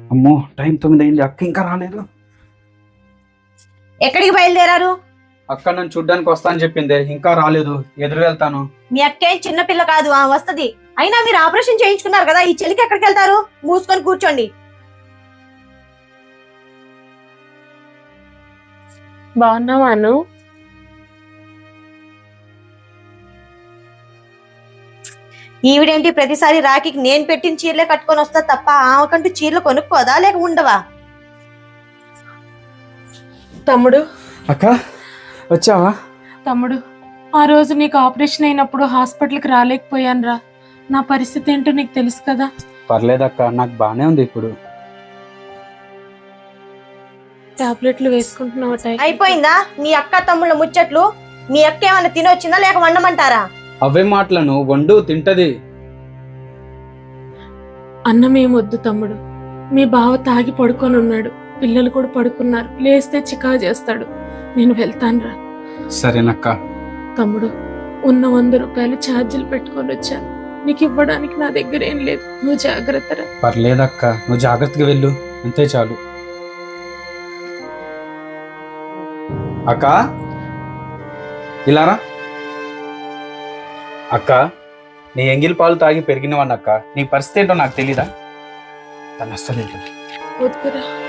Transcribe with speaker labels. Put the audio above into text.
Speaker 1: అమ్మో టైం 9 అయింది, అక్క ఇంకా రాలేదు.
Speaker 2: ఎక్కడికి బయలుదేరారు?
Speaker 1: అక్క నన్ను చూడ్డానికి వస్తా అని చెప్పింది, ఇంకా రాలేదు. ఎదురు వెళ్తాను.
Speaker 2: మీ అక్కే చిన్నపిల్ల కాదు, వస్తది. అయినా మీరు ఆపరేషన్ చేయించుకున్నారు కదా, ఈ చెలికి ఎక్కడికి వెళ్తారు? మూసుకొని కూర్చోండి.
Speaker 3: బాగున్నావాను?
Speaker 2: ఈవిడేంటి ప్రతిసారి రాఖీకి నేను పెట్టిన చీరలే కట్టుకొని వస్తా తప్ప ఆమెకంటూ చీరలు కొనుక్కోదా లేక ఉండవా?
Speaker 3: తమ్ముడు,
Speaker 1: అక్క వచ్చావా?
Speaker 3: తమ్ముడు, ఆ రోజు నీకు ఆపరేషన్ అయినప్పుడు హాస్పిటల్కి రాలేకపోయానురా. నా పరిస్థితి ఏంటో నీకు తెలుసు కదా.
Speaker 1: పర్లేదక్క, నాకు బానే ఉంది ఇప్పుడు.
Speaker 3: టాబ్లెట్లు వేసుకుంటున్నావా?
Speaker 2: అయిపోయిందా మీ అక్క తమ్ముళ్ళ ముచ్చట్లు? మీ అక్క ఏమైనా తినొచ్చిందా లేక వండమంటారా?
Speaker 1: అవే మాటలను వండు తింటది.
Speaker 3: అన్నం ఏమొద్దు తమ్ముడు. మీ బావ తాగి పడుకొని ఉన్నాడు, పిల్లలు కూడా పడుకున్నారు. లేస్తే చికా చేస్తాడు. నేను వెళ్తానురా.
Speaker 1: సరేనక్క.
Speaker 3: తమ్ముడు, ఉన్న 100 రూపాయలు ఛార్జీలు పెట్టుకొని వచ్చాను. నీకు ఇవ్వడానికి నా దగ్గర ఏం లేదు. నువ్వు జాగ్రత్తరా.
Speaker 1: పర్లేదక్క, నువ్వు జాగ్రత్తగా వెళ్ళు, అంతే చాలు. అక్క ఇలారా. అక్క, నీ ఎంగిల్ పాలు తాగి పెరిగినవాడిని అక్క. నీ పరిస్థితి ఏంటో నాకు తెలీదా? తను అస్సలు
Speaker 3: వద్దురా.